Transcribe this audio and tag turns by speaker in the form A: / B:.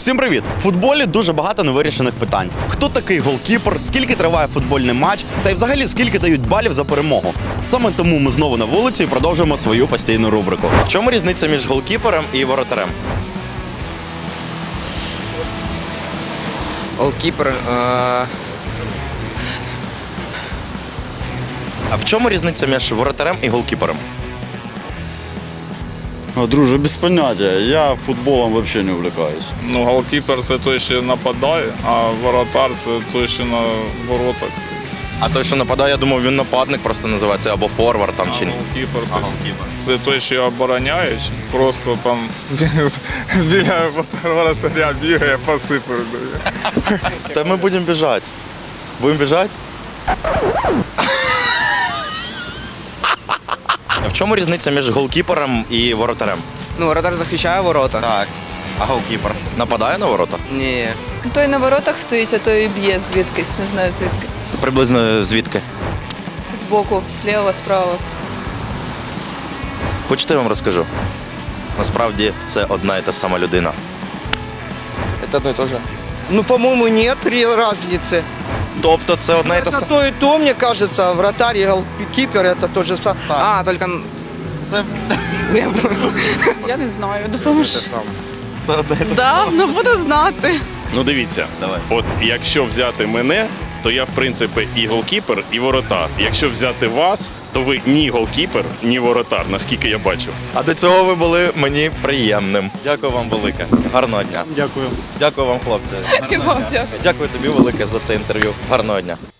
A: Всім привіт! В футболі дуже багато невирішених питань. Хто такий голкіпер, скільки триває футбольний матч, та й взагалі скільки дають балів за перемогу. Саме тому ми знову на вулиці і продовжуємо свою постійну рубрику. В чому різниця між голкіпером і воротарем?
B: Голкіпер.
A: А в чому різниця між воротарем і голкіпером?
C: Друже, без поняття. Я футболом взагалі не увлекаюсь.
D: Ну, голкіпер це той, що нападає, а воротар це той, що на воротах стоїть.
A: А той, що нападає, я думав, він нападник просто називається, або форвард там чи ні.
D: Голкіпер
A: А голкіпер.
D: це той, що обороняє, просто там біля воротаря бігає, паси передає.
A: Та ми будемо біжати. Будемо біжати? А в чому різниця між голкіпером і воротарем?
B: Ну, воротар захищає ворота.
A: Так. А голкіпер нападає на ворота?
B: Ні.
E: Той на воротах стоїть, а той б'є звідкись, не знаю звідки.
A: Приблизно звідки?
E: Збоку, зліва, справа.
A: Хочете, я вам розкажу? Насправді це одна і та сама людина.
B: Это одно и то же. Ну, по-моему, нет разницы.
A: Тобто це одна і та
B: Это
A: сама.
B: то и то, мне кажется. Вратарь и голкипер это то же самое.
A: Так.
B: А, только...
A: Це,
F: Я не знаю, допоможу.
A: це одна і та
F: Да, ну буду знати.
G: Ну дивіться,
A: Давай.
G: от якщо взяти мене, то я в принципі і голкіпер, і воротар. Якщо взяти вас, то ви ні голкіпер, ні воротар, наскільки я бачу.
A: А до цього ви були мені приємним. Дякую вам велике. Гарного дня.
C: Дякую.
A: Дякую вам, хлопці.
E: І вам дякую.
A: Дякую тобі велике за це інтерв'ю. Гарного дня.